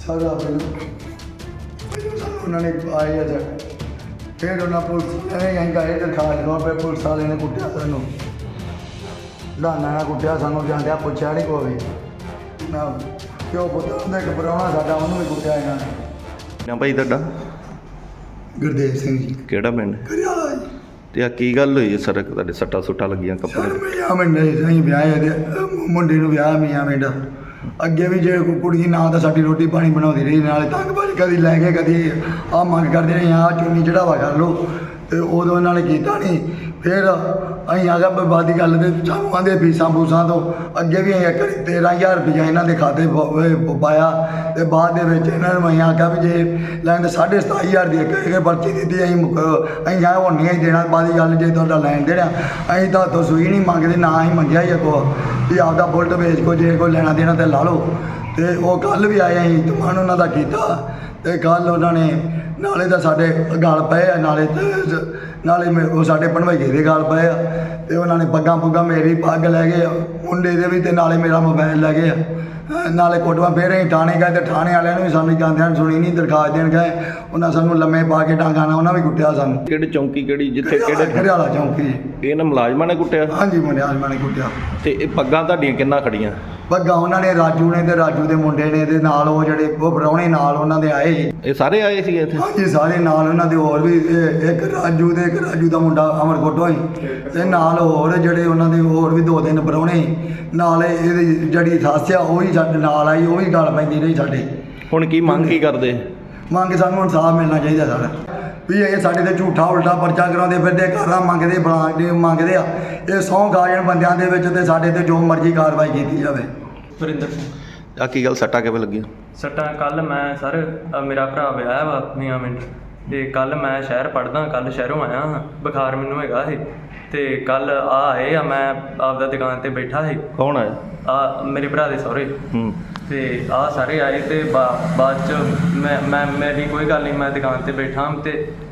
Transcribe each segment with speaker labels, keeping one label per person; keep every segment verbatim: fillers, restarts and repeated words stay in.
Speaker 1: ਸਾਰਾ ਪਹਿਲਾਂ ਉਹਨਾਂ ਨੇ ਆਏ ਆ ਫਿਰ ਉਹਨਾਂ ਪੁਲਿਸ ਐਂ ਗਏ ਤੇ ਖਾ ਲਿਆ ਫਿਰ ਪੁਲਿਸ ਵਾਲੇ ਨੇ ਕੁੱਟਿਆ ਸਾਨੂੰ ਲਾਨਾ ਨਾਲ ਕੁੱਟਿਆ ਸਾਨੂੰ ਜਾਂਦਿਆਂ ਪੁੱਛਿਆ ਨਹੀਂ ਕੋਈ ਨਾ ਕਿਉਂ ਪੁੱਤ ਉਹਦਾ ਇੱਕ ਪ੍ਰਾਹੁਣਾ ਸਾਡਾ ਉਹਨੂੰ ਵੀ ਕੁੱਟਿਆ ਇਹਨਾਂ ਨੇ।
Speaker 2: ਨਾ ਭਾਈ ਤੁਹਾਡਾ
Speaker 1: ਗੁਰਦੇਵ ਸਿੰਘ ਜੀ
Speaker 2: ਕਿਹੜਾ ਪਿੰਡ
Speaker 1: ਕਰਿਆਲਾ ਜੀ।
Speaker 2: ਤੇ ਆ ਕੀ ਗੱਲ ਹੋਈ ਸੜਕ ਤੁਹਾਡੇ ਸੱਟਾਂ ਸੁੱਟਾਂ ਲੱਗੀਆਂ ਕੱਪੜੇ ਤੇ?
Speaker 1: ਮੀਆਂ ਮਿੰਡਾ ਅਸੀਂ ਵਿਆਹ ਇਹਦੇ ਮੁੰਡੇ ਨੂੰ ਵਿਆਹ ਮੀਆਂ ਮਿੰਡਾ ਅੱਗੇ ਵੀ ਜੇ ਕੋਈ ਕੁੜੀ ਨਾ ਤਾਂ ਸਾਡੀ ਰੋਟੀ ਪਾਣੀ ਬਣਾਉਂਦੀ ਰਹੀ ਨਾਲੇ ਤੰਗਬਾਜ਼ੀ ਕਦੀ ਲੈ ਕੇ ਕਦੀ ਆਹ ਮੰਗ ਕਰਦੇ ਰਹੇ ਆਹ ਚੁੰਨੀ ਚੜਾਵਾ ਕਰ ਲਓ ਤੇ ਉਦੋਂ ਇਹਨਾਂ ਨੇ ਕੀਤਾ ਨਹੀਂ। ਫਿਰ ਅਸੀਂ ਆ ਗਿਆ ਬਾਦੀ ਗੱਲ ਤੇ ਸਾਨੂੰ ਆਂਦੇ ਫੀਸਾਂ ਫੂਸਾਂ ਤੋਂ ਅੱਗੇ ਵੀ ਅਸੀਂ ਇੱਕ ਤੇਰ੍ਹਾਂ ਹਜ਼ਾਰ ਰੁਪਈਆ ਇਹਨਾਂ ਦੇ ਖਾਤੇ ਪ- ਪਾਇਆ ਤੇ ਬਾਅਦ ਦੇ ਵਿੱਚ ਇਹਨਾਂ ਨੂੰ ਅਸੀਂ ਆਖਿਆ ਵੀ ਜੇ ਲੈਣ ਸਾਢੇ ਸਤਾਈ ਹਜ਼ਾਰ ਦੀ ਇੱਕ ਇੱਕ ਪਰਚੀ ਦਿੱਤੀ ਅਸੀਂ ਮੁਕ- ਅਸੀਂ ਆ ਹੁਣ ਨਹੀਂ ਦੇਣਾ ਬਾਦੀ ਗੱਲ ਜੇ ਤੁਹਾਡਾ ਲੈਣ ਦੇਣਾ ਅਸੀਂ ਤਾਂ ਤੋਂ ਸੂਈ ਨਹੀਂ ਮੰਗਦੇ ਨਾ ਅਸੀਂ ਮੰਗਿਆ ਹੀ ਅੱਗੋਂ ਵੀ ਆਪਦਾ ਬੁਲਟ ਵੇਚ ਕੋ ਜੇ ਕੋਈ ਲੈਣਾ ਦੇਣਾ ਤੇ ਲਾ ਲਓ। ਤੇ ਉਹ ਕੱਲ੍ਹ ਵੀ ਆਏ ਅਸੀਂ ਤੁਮਾਨ ਉਹਨਾਂ ਦਾ ਕੀਤਾ ਤੇ ਕੱਲ੍ਹ ਉਹਨਾਂ ਨੇ ਨਾਲੇ ਤਾਂ ਸਾਡੇ ਗਲ ਪਏ ਆ ਨਾਲੇ ਤੇ ਨਾਲੇ ਮੇ- ਉਹ ਸਾਡੇ ਭਣਵਈਏ ਦੇ ਗਲ ਪਏ ਆ ਤੇ ਉਹਨਾਂ ਨੇ ਪੱਗਾਂ ਪੁੱਗਾਂ ਮੇਰੀ ਪੱਗ ਲੈ ਗਏ ਆ, ਮੁੰਡੇ ਦੇ ਵੀ ਤੇ ਨਾਲੇ ਮੇਰਾ ਮੋਬਾਈਲ ਲੈ ਗਏ ਆ। ਅਹ ਨਾਲੇ ਕੋਟਵਾ ਫਿਰ ਅਸੀਂ ਥਾਣੇ ਗਏ ਤੇ ਥਾਣੇ ਵਾਲਿਆਂ ਨੂੰ ਵੀ ਸਾਨੂੰ ਜਾਂਦਿਆਂ ਨੂੰ ਸੁਣੀ ਨਹੀਂ ਦਰਖਾਸਤ ਦੇਣ ਗਏ ਉਹਨਾਂ ਸਾਨੂੰ ਲੰਮੇ ਪਾ ਕੇ ਟਾਂਗਾਂ ਨਾਲ ਉਹਨਾਂ ਵੀ ਕੁੱਟਿਆ ਸਾਨੂੰ।
Speaker 2: ਕਿਹੜੀ ਚੌਂਕੀ ਕਿਹੜੀ ਜਿੱਥੇ ਕਿਹੜੇ
Speaker 1: ਘਰਿਆਲਾ ਚੌਂਕੀ
Speaker 2: ਇਹਨਾਂ ਮੁਲਾਜ਼ਮਾਂ ਨੇ ਕੁੱਟਿਆ?
Speaker 1: ਹਾਂਜੀ ਮੁੰਡਿਆਂ ਨੇ ਕੁੱਟਿਆ।
Speaker 2: ਤੇ ਇਹ ਪੱਗਾਂ ਤੁਹਾਡੀਆਂ ਕਿੰਨਾ ਖੜੀਆਂ?
Speaker 1: ਪੱਗਾਂ ਉਹਨਾਂ ਨੇ ਰਾਜੂ ਨੇ ਤੇ ਰਾਜੂ ਦੇ ਮੁੰਡੇ ਨੇ ਤੇ ਨਾਲ ਉਹ ਜਿਹੜੇ ਉਹ ਪ੍ਰਾਹੁਣੇ ਨਾਲ ਉਹਨਾਂ ਦੇ ਆਏ ਸੀ।
Speaker 2: ਇਹ ਸਾਰੇ ਆਏ ਸੀ ਇੱਥੇ?
Speaker 1: ਹਾਂਜੀ ਸਾਰੇ ਨਾਲ ਉਹਨਾਂ ਦੇ ਹੋਰ ਵੀ ਇਹ ਇੱਕ ਰਾਜੂ ਦੇ ਇੱਕ ਰਾਜੂ ਦਾ ਮੁੰਡਾ ਅਮਰਕੋਟੋਂ ਹੀ ਤੇ ਨਾਲ ਹੋਰ ਜਿਹੜੇ ਉਹਨਾਂ ਦੇ ਹੋਰ ਵੀ ਦੋ ਤਿੰਨ ਪ੍ਰਾਹੁਣੇ ਨਾਲ ਇਹਦੀ ਜਿਹੜੀ ਸੱਸ ਆ ਉਹ ਵੀ ਸਾਡੇ ਨਾਲ ਆਈ ਉਹ ਵੀ ਗੱਲ ਪੈਂਦੀ ਰਹੀ ਸਾਡੇ।
Speaker 2: ਹੁਣ ਕੀ ਮੰਗ ਕੀ ਕਰਦੇ?
Speaker 1: ਮੰਗ ਸਾਨੂੰ ਇਨਸਾਫ ਮਿਲਣਾ ਚਾਹੀਦਾ ਸਾਡਾ ਵੀ ਇਹ ਸਾਡੇ ਤੇ ਝੂਠਾ ਉਲਟਾ ਪਰਚਾ ਕਰਾਉਂਦੇ ਫਿਰਦੇ ਘਰਾਂ ਮੰਗਦੇ ਬਲਾਂਡੇ ਮੰਗਦੇ ਆ ਇਹ ਸਹੁੰ ਖਾ ਜਾਣ ਬੰਦਿਆਂ ਦੇ ਵਿੱਚ ਤੇ ਸਾਡੇ ਤੇ ਜੋ ਮਰਜ਼ੀ ਕਾਰਵਾਈ ਕੀਤੀ ਜਾਵੇ।
Speaker 3: ਵਰਿੰਦਰ ਸਿੰਘ।
Speaker 2: ਆ ਕੀ ਗੱਲ ਸੱਟਾਂ ਕਿਵੇਂ ਲੱਗੀਆਂ?
Speaker 3: ਸੱਟਾਂ ਕੱਲ ਮੈਂ ਸਰ ਅ, ਮੇਰਾ ਭਰਾ ਵਿਆਹ ਵਾ ਮੀਆਂ ਮਿੰਟ ਤੇ ਕੱਲ ਮੈਂ ਸ਼ਹਿਰ ਪੜ੍ਹਦਾ ਕੱਲ ਸ਼ਹਿਰੋਂ ਆਇਆ ਹਾਂ ਬੁਖਾਰ ਮੈਨੂੰ ਹੈਗਾ ਸੀ ਤੇ ਕੱਲ ਆ ਆਏ ਆ ਮੈਂ ਆਪਦਾ ਦੁਕਾਨ ਤੇ ਬੈਠਾ ਸੀ
Speaker 2: ਕੌਣ ਆਇਆ?
Speaker 3: ਆ ਮੇਰੇ ਭਰਾ ਦੇ ਸਹੁਰੇ
Speaker 2: ਹੂੰ
Speaker 3: ਤੇ ਆ ਸਾਰੇ ਆਏ ਤੇ ਬਾ- ਬਾਅਦ ਚ ਮੈਂ ਮੈਂ ਮੇਰੀ ਕੋਈ ਗੱਲ ਨਹੀਂ ਮੈਂ ਦੁਕਾਨ ਤੇ ਬੈਠਾ ਤੇ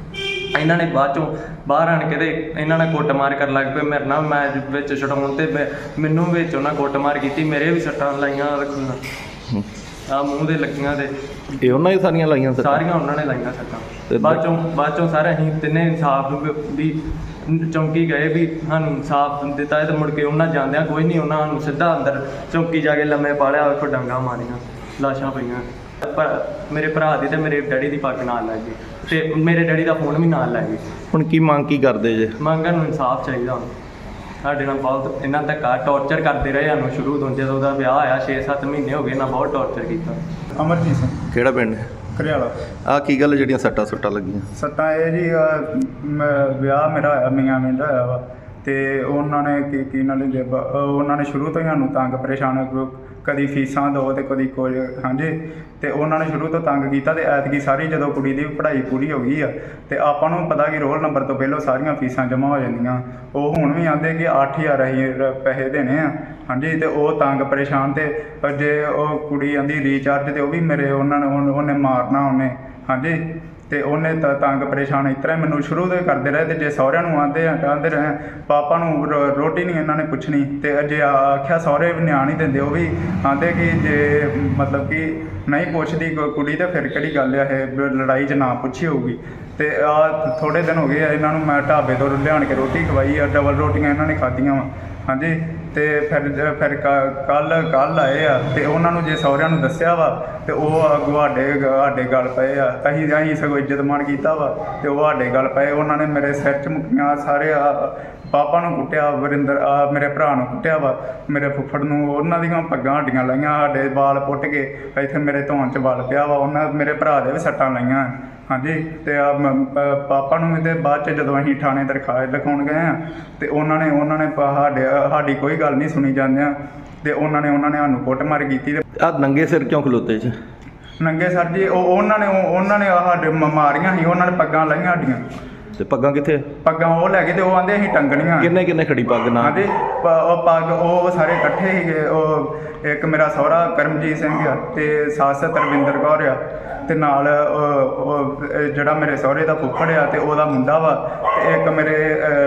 Speaker 3: ਇਹਨਾਂ ਨੇ ਬਾਅਦ ਚੋਂ ਬਾਹਰ ਆਣ ਕੇ ਤੇ ਇਹਨਾਂ ਨੇ ਕੁੱਟਮਾਰ ਕਰਨ ਲੱਗ ਪਏ ਮੇਰੇ ਨਾਲ ਮੈਂ ਵਿੱਚ ਛਡਾਉਣ ਤੇ ਮੈਂ- ਮੈਨੂੰ ਵਿੱਚ ਉਹਨਾਂ ਕੁੱਟਮਾਰ ਕੀਤੀ ਮੇਰੇ ਵੀ ਸੱਟਾਂ ਲਾਈਆਂ
Speaker 2: ਹੂੰ।
Speaker 3: ਆ ਮੂੰਹ ਦੇ ਲੱਗੀਆਂ ਤੇ
Speaker 2: ਇਹ ਉਹਨਾਂ ਹੀ ਸਾਰੀਆਂ ਲਾਈਆਂ ਸੱਟਾਂ?
Speaker 3: ਸਾਰੀਆਂ ਉਹਨਾਂ ਨੇ ਲਾਈਆਂ ਸੱਟਾਂ।
Speaker 2: ਤੇ
Speaker 3: ਬਾਅਦ ਚੋਂ ਬਾਅਦ ਚੋਂ ਸਾਰੇ ਅਸੀਂ ਤਿੰਨੇ ਇਨਸਾਫ ਵੀ ਚੌਂਕੀ ਗਏ ਵੀ ਸਾਨੂੰ ਇਨਸਾਫ ਦਿੱਤਾ ਤੇ ਮੁੜ ਕੇ ਉਹਨਾਂ ਜਾਂਦਿਆਂ ਕੋਈ ਨਹੀਂ ਉਹਨਾਂ ਨੂੰ ਸਿੱਧਾ ਅੰਦਰ ਚੌਂਕੀ ਜਾ ਕੇ ਲੰਮੇ ਪਾ ਲਿਆ ਵੇਖੋ ਡਾਂਗਾਂ ਮਾਰੀਆਂ ਲਾਸ਼ਾਂ ਪਈਆਂ ਪਰ ਮੇਰੇ ਭਰਾ ਦੀ ਤੇ ਮੇਰੇ ਡੈਡੀ ਦੀ ਪੱਗ ਨਾਲ ਲੱਗ ਗਈ ਤੇ ਮੇਰੇ ਡੈਡੀ ਦਾ ਫੋਨ ਵੀ ਨਾਲ ਲੈ ਗਏ।
Speaker 2: ਹੁਣ ਕੀ ਮੰਗ ਕੀ ਕਰਦੇ ਜੇ?
Speaker 3: ਮੰਗਣ ਨੂੰ ਇਨਸਾਫ ਚਾਹੀਦਾ ਹੁਣ ਸਾਡੇ ਨਾਲ ਬਹੁਤ ਇਹਨਾਂ ਧੱਕਾ ਟੌਰਚਰ ਕਰਦੇ ਰਹੇ ਸਾਨੂੰ ਸ਼ੁਰੂ ਤੋਂ ਜਦੋਂ ਉਹਦਾ ਵਿਆਹ ਹੋਇਆ ਛੇ ਸੱਤ ਮਹੀਨੇ ਹੋ ਗਏ ਇਹਨਾਂ ਬਹੁਤ ਟੌਰਚਰ ਕੀਤਾ।
Speaker 4: ਅਮਰਜੀਤ ਸਿੰਘ
Speaker 2: ਕਿਹੜਾ ਪਿੰਡ?
Speaker 4: ਘਰਿਆਲਾ।
Speaker 2: ਆ ਕੀ ਗੱਲ ਜਿਹੜੀਆਂ ਸੱਟਾਂ ਸੁੱਟਾਂ ਲੱਗੀਆਂ?
Speaker 4: ਸੱਟਾਂ ਇਹ ਜੀ ਅਹ, ਮ- ਵਿਆਹ ਮੇਰਾ ਹੋਇਆ ਮੀਆਂ ਮਿੰਟ ਹੋਇਆ ਵਾ ਤੇ ਉਹਨਾਂ ਨੇ ਕੀ ਕੀ ਨਾਲ ਹੀ ਉਹਨਾਂ ਨੇ ਸ਼ੁਰੂ ਤੋਂ ਹੀ ਸਾਨੂੰ ਤੰਗ ਪਰੇਸ਼ਾਨ ਕ- ਕਦੀ ਫੀਸਾਂ ਦਿਓ ਤੇ ਕਦੀ ਕੁਝ ਹਾਂਜੀ ਤੇ ਉਹਨਾਂ ਨੇ ਸ਼ੁਰੂ ਤੋਂ ਤੰਗ ਕੀਤਾ ਤੇ ਐਤਕੀ ਸਾਰੀ ਜਦੋਂ ਕੁੜੀ ਦੀ ਪੜ੍ਹਾਈ ਪੂਰੀ ਹੋ ਗਈ ਆ ਤੇ ਆਪਾਂ ਨੂੰ ਪਤਾ ਕਿ ਰੋਲ ਨੰਬਰ ਤੋਂ ਪਹਿਲਾਂ ਸਾਰੀਆਂ ਫੀਸਾਂ ਜਮ੍ਹਾਂ ਹੋ ਜਾਂਦੀਆਂ ਉਹ ਹੁਣ ਵੀ ਆਂਦੇ ਕਿ ਅੱਠ ਹਜ਼ਾਰ ਅਸੀਂ ਰ- ਪੈਸੇ ਦੇਣੇ ਆ ਹਾਂਜੀ ਤੇ ਉਹ ਤੰਗ ਪਰੇਸ਼ਾਨ ਤੇ ਪਰ ਜੇ ਉਹ ਕੁੜੀ ਆਂਦੀ ਰੀਚਾਰਜ ਤੇ ਉਹ ਵੀ ਮੇਰੇ ਉਹਨਾਂ ਨੇ ਉਹਨ- ਉਹਨੇ ਮਾਰਨਾ ਉਹਨੇ ਹਾਂਜੀ ਤੇ ਉਹਨੇ ਤਾਂ ਤੰਗ ਪਰੇਸ਼ਾਨ ਇਸ ਤਰ੍ਹਾਂ ਮੈਨੂੰ ਸ਼ੁਰੂ ਤੋਂ ਹੀ ਕਰਦੇ ਰਹੇ ਤੇ ਜੇ ਸਹੁਰਿਆਂ ਨੂੰ ਆਂਦੇ ਆ ਕਹਿੰਦੇ ਰਹੇ ਪਾਪਾ ਨੂੰ ਰੋ- ਰੋਟੀ ਨਹੀਂ ਇਹਨਾਂ ਨੇ ਪੁੱਛਣੀ ਤੇ ਜੇ ਆਖਿਆ ਸਹੁਰੇ ਵੀ ਨਿਆਣ ਹੀ ਦਿੰਦੇ ਉਹ ਵੀ ਆਂਦੇ ਕਿ ਜੇ ਮਤਲਬ ਕਿ ਨਹੀਂ ਪੁੱਛਦੀ ਕੋ- ਕੁੜੀ ਤੇ ਫਿਰ ਕਿਹੜੀ ਗੱਲ ਆ ਇਹ ਵੀ ਲੜਾਈ 'ਚ ਨਾ ਪੁੱਛੀ ਹੋਊਗੀ ਤੇ ਆ ਥੋੜ੍ਹੇ ਦਿਨ ਹੋ ਗਏ ਆ ਇਹਨਾਂ ਨੂੰ ਮੈਂ ਢਾਬੇ ਤੋਂ ਲਿਆਣ ਕੇ ਰੋਟੀ ਖਵਾਈ ਆ ਡਬਲ ਰੋਟੀਆਂ ਇਹਨਾਂ ਨੇ ਖਾਧੀਆਂ ਵਾ ਹਾਂਜੀ ਤੇ ਫਿਰ ਜ- ਫਿਰ ਕੱਲ ਕੱਲ ਆਏ ਆ ਤੇ ਉਹਨਾਂ ਨੂੰ ਜੇ ਸਹੁਰਿਆਂ ਨੂੰ ਦੱਸਿਆ ਵਾ ਤੇ ਉਹ ਅੱਗੋਂ ਸਾਡੇ ਸਾਡੇ ਗੱਲ ਪਏ ਆ ਅਸੀਂ ਅਸੀਂ ਸਗੋਂ ਇੱਜ਼ਤ ਮਾਣ ਕੀਤਾ ਵਾ ਤੇ ਉਹ ਸਾਡੇ ਗੱਲ ਪਏ ਉਹਨਾਂ ਨੇ ਮੇਰੇ ਸਿਰ 'ਚ ਮੁੱਕੀਆਂ ਸਾਰੇ ਆ ਪਾਪਾ ਨੂੰ ਕੁੱਟਿਆ ਵਰਿੰਦਰ ਆ ਮੇਰੇ ਭਰਾ ਨੂੰ ਕੁੱਟਿਆ ਵਾ ਮੇਰੇ ਫੁੱਫੜ ਨੂੰ ਉਹਨਾਂ ਦੀਆਂ ਪੱਗਾਂ ਹੱਡੀਆਂ ਲਾਈਆਂ ਸਾਡੇ ਵਾਲ ਪੁੱਟ ਕੇ ਇੱਥੇ ਮੇਰੇ ਧੌਣ 'ਚ ਵਲ ਪਿਆ ਵਾ ਉਹਨਾਂ ਮੇਰੇ ਭਰਾ ਦੇ ਵੀ ਸੱਟਾਂ ਲਾਈਆਂ ਹਾਂਜੀ ਤੇ ਆ ਪਾਪਾ ਨੂੰ ਵੀ ਤੇ ਬਾਅਦ 'ਚ ਜਦੋਂ ਅਸੀਂ ਥਾਣੇ ਦਰਖਾਸਤ ਲਿਖਾਉਣ ਗਏ ਆ ਤੇ ਉਹਨਾਂ ਨੇ ਉਹਨਾਂ ਨੇ ਪਾ- ਸਾਡੇ ਸਾਡੀ ਕੋਈ ਗੱਲ ਨਹੀਂ ਸੁਣੀ ਜਾਂਦਿਆਂ ਤੇ ਉਹਨਾਂ ਨੇ ਉਹਨਾਂ ਨੇ ਸਾਨੂੰ ਕੁੱਟਮਾਰ ਕੀਤੀ ਤੇ
Speaker 2: ਆ ਨੰਗੇ ਸਿਰ ਕਿਉਂ ਖਲੋਤੇ ਚ?
Speaker 4: ਨੰਗੇ ਸਰ ਜੀ ਉਹ ਉਹਨਾਂ ਨੇ ਉਹ- ਉਹਨਾਂ ਨੇ ਆਹ ਸਾਡੇ ਮ- ਮਾਰੀਆਂ ਸੀ ਉਹਨਾਂ ਨੇ ਪੱਗਾਂ ਲਾਈਆਂ ਸਾਡੀਆਂ
Speaker 2: ਤੇ ਪੱਗਾਂ ਕਿੱਥੇ?
Speaker 4: ਪੱਗਾਂ ਉਹ ਲੈ ਕੇ ਤੇ ਉਹ ਆਂਦੇ ਅਸੀਂ ਟੰਗਣੀਆਂ
Speaker 2: ਕਿੰਨੇ ਕਿੰਨੇ ਖੜੀ ਪੱਗ ਨਾਲ?
Speaker 4: ਹਾਂਜੀ ਪ- ਉਹ ਪੱਗ ਉਹ ਸਾਰੇ ਇਕੱਠੇ ਸੀਗੇ ਉਹ ਇੱਕ ਮੇਰਾ ਸਹੁਰਾ ਕਰਮਜੀਤ ਸਿੰਘ ਆ ਤੇ ਸੱਸ ਤਰਵਿੰਦਰ ਕੌਰ ਆ ਤੇ ਨਾਲ ਉਹ- ਉਹ ਜਿਹੜਾ ਮੇਰੇ ਸਹੁਰੇ ਦਾ ਫੁੱਫੜ ਆ ਤੇ ਉਹਦਾ ਮੁੰਡਾ ਵਾ ਤੇ ਇੱਕ ਮੇਰੇ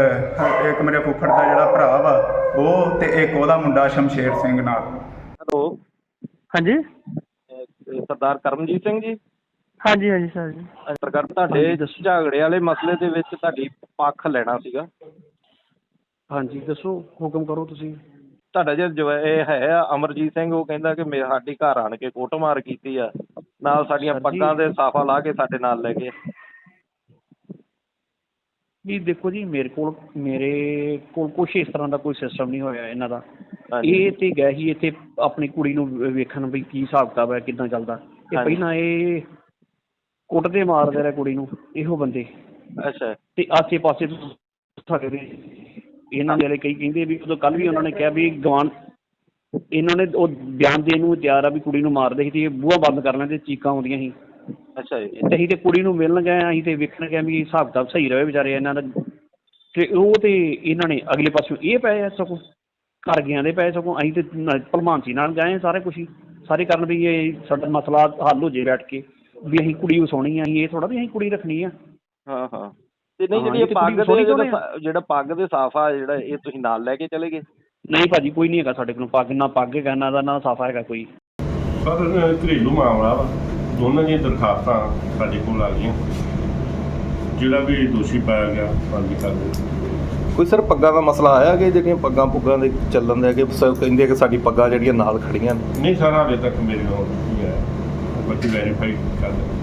Speaker 4: ਅਹ, ਇੱਕ ਮੇਰੇ ਫੁੱਫੜ ਦਾ ਜਿਹੜਾ ਭਰਾ ਵਾ ਉਹ ਤੇ ਇੱਕ ਉਹਦਾ ਮੁੰਡਾ ਸ਼ਮਸ਼ੇਰ ਸਿੰਘ ਨਾਲ।
Speaker 5: ਹੈਲੋ ਹਾਂਜੀ ਤੇ ਸਰਦਾਰ ਕਰਮਜੀਤ ਸਿੰਘ ਜੀ।
Speaker 6: ਹਾਂਜੀ ਹਾਂਜੀ ਸਰ ਜੀ।
Speaker 5: ਸਰਕਾਰ ਤੁਹਾਡੇ ਝਗੜੇ ਵਾਲੇ ਮਸਲੇ ਦੇ ਵਿੱਚ ਤੁਹਾਡੀ ਪੱਖ ਲੈਣਾ ਸੀਗਾ।
Speaker 7: ਹਾਂਜੀ ਦੱਸੋ, ਹੁਕਮ ਕਰੋ ਤੁਸੀਂ।
Speaker 5: ਤੁਹਾਡਾ ਜੇ ਜਵਾ- ਇਹ ਹੈ ਆ ਅਮਰਜੀਤ ਸਿੰਘ, ਉਹ ਕਹਿੰਦਾ ਕਿ ਮੇ ਸਾਡੀ ਘਰ ਆਣ ਕੇ ਕੁੱਟਮਾਰ ਕੀਤੀ ਆ, ਨਾਲ ਸਾਡੀਆਂ
Speaker 7: ਸਰ ਜੀ-
Speaker 5: ਪੱਗਾਂ ਦੇ ਸਾਫਾ ਲਾ ਕੇ ਸਾਡੇ ਨਾਲ ਲੈ ਗਏ।
Speaker 7: ਵੀ ਦੇਖੋ ਜੀ, ਮੇਰੇ ਕੋਲ ਮੇਰੇ ਕੋਲ ਕੁਛ ਇਸ ਤਰ੍ਹਾਂ ਦਾ ਕੋਈ ਸਿਸਟਮ ਨਹੀਂ ਹੋਇਆ ਇਹਨਾਂ ਦਾ।
Speaker 5: ਹਾਂਜੀ।
Speaker 7: ਇਹ ਤੇ ਗਏ ਸੀ ਇੱਥੇ ਆਪਣੀ ਕੁੜੀ ਨੂੰ ਵੇ- ਵੇਖਣ ਵੀ ਕੀ ਹਿਸਾਬ ਕਿਤਾਬ ਹੈ, ਕਿੱਦਾਂ ਚੱਲਦਾ। ਇਹ
Speaker 5: ਹਾਂਜੀ।
Speaker 7: ਪਹਿਲਾਂ ਇਹ ਕੁੱਟਦੇ ਮਾਰਦੇ ਰਹੇ ਕੁੜੀ ਨੂੰ ਇਹੋ ਬੰਦੇ,
Speaker 5: ਅੱਛਾ
Speaker 7: ਤੇ ਆਸੇ ਪਾਸੇ ਤੋਂ ਸਾਡੇ ਦੇ ਇਹਨਾਂ ਦੇ ਵਾਲੇ ਕਈ ਕਹਿੰਦੇ ਵੀ ਉਦੋਂ ਕੱਲ ਵੀ ਉਹਨਾਂ ਨੇ ਕਿਹਾ ਵੀ ਗਵਾਨ ਇਹਨਾਂ ਨੇ ਉਹ ਬਿਆਨ ਦੇਣ ਨੂੰ ਤਿਆਰ ਆ ਵੀ ਕੁੜੀ ਨੂੰ ਮਾਰਦੇ ਸੀ ਤੇ ਇਹ ਬੂਹਾ ਬੰਦ ਕਰ ਲੈਂਦੇ, ਚੀਕਾਂ ਆਉਂਦੀਆਂ ਸੀ।
Speaker 5: ਅੱਛਾ ਜੀ।
Speaker 7: ਤੇ ਅਸੀਂ ਤੇ ਕੁੜੀ ਨੂੰ ਮਿਲਣ ਗਏ, ਅਸੀਂ ਤੇ ਵੇਖਣ ਗਏ ਵੀ ਹਿਸਾਬ ਕਿਤਾਬ ਸਹੀ ਰਹੇ ਵਿਚਾਰੇ ਇਹਨਾਂ ਦਾ। ਤੇ ਉਹ ਤੇ ਇਹਨਾਂ ਨੇ ਅਗਲੇ ਪਾਸਿਓਂ ਇਹ ਪਏ ਆ ਸਗੋਂ ਘਰ ਗਿਆ ਦੇ ਪਏ, ਸਗੋਂ ਅਸੀਂ ਤੇ ਨ- ਭਲਮਾਨਸੀ ਨਾਲ ਗਏ ਸਾਰੇ ਕੁਛ ਹੀ ਸਾਰੇ ਕਰਨ ਵੀ ਇਹ ਸਾਡਾ ਮਸਲਾ ਹੱਲ ਹੋ ਜੇ ਬੈਠ ਕੇ, ਵੀ ਅਸੀਂ ਕੁੜੀ ਵਸਾਉਣੀ ਆ। ਅਸੀਂ ਇਹ ਥੋੜਾ ਵੀ ਅਸੀਂ ਕੁੜੀ ਰੱਖਣੀ ਆ।
Speaker 5: ਹਾਂ ਹਾਂ। ਤੇ ਨਹੀਂ
Speaker 7: ਹਾਂ,
Speaker 5: ਜਿਹੜੀ
Speaker 7: ਇਹ
Speaker 5: ਇਹ
Speaker 7: ਤੇ
Speaker 5: ਪੱਗ
Speaker 7: ਕੁੜੀ
Speaker 5: ਦੇ
Speaker 7: ਸੋਹਣੀ
Speaker 5: ਜਿਹੜਾ
Speaker 7: ਸੋਹਣੀ
Speaker 5: ਸਾ- ਜਿਹੜਾ ਪੱਗ ਦੇ ਸਾਫਾ ਜਿਹੜਾ ਇਹ ਤੁਸੀਂ ਨਾਲ ਲੈ ਕੇ ਚਲੇ ਗਏ?
Speaker 7: ਨਹੀਂ ਭਾਜੀ, ਕੋਈ ਨਹੀਂ ਹੈਗਾ ਸਾਡੇ ਕੋਲ ਪੱਗ, ਨਾ ਪੱਗ ਹੈਗਾ ਨਾ ਦਾ ਨਾ ਸਾਫਾ ਹੈਗਾ ਕੋਈ।
Speaker 8: ਸਰ ਘਰੇਲੂ ਮਾਮਲਾ ਵਾ, ਦੋਨਾਂ ਦੀਆਂ ਦਰਖਾਸਤਾਂ ਸਾਡੇ ਕੋਲ ਆ ਗਈਆਂ। ਜਿਹੜਾ ਵੀ ਦੋਸ਼ੀ ਪਾਇਆ ਗਿਆ ਬੰਦੀ ਕਰ ਦੇ।
Speaker 2: ਕੋਈ ਸਰ ਪੱਗਾਂ ਦਾ ਮਸਲਾ ਆਇਆ ਕਿ ਜਿਹੜੀਆਂ ਪੱਗਾਂ ਪੁੱਗਾਂ ਦੇ ਚੱਲਣ ਦੇ ਕਿ ਸ- ਕਹਿੰਦੇ ਕਿ ਸਾਡੀ ਪੱਗਾਂ ਜਿਹੜੀਆਂ ਨਾਲ ਖੜੀਆਂ ਨੇ?
Speaker 8: ਨਹੀਂ ਸਰ, ਹਾਲੇ ਤੱਕ ਮੇਰੇ ਨਾਲ ਨਹੀਂ ਆਇਆ, ਬਾਕੀ ਵੈਰੀਫਾਈ ਕਰ ਦਿੰਦੇ।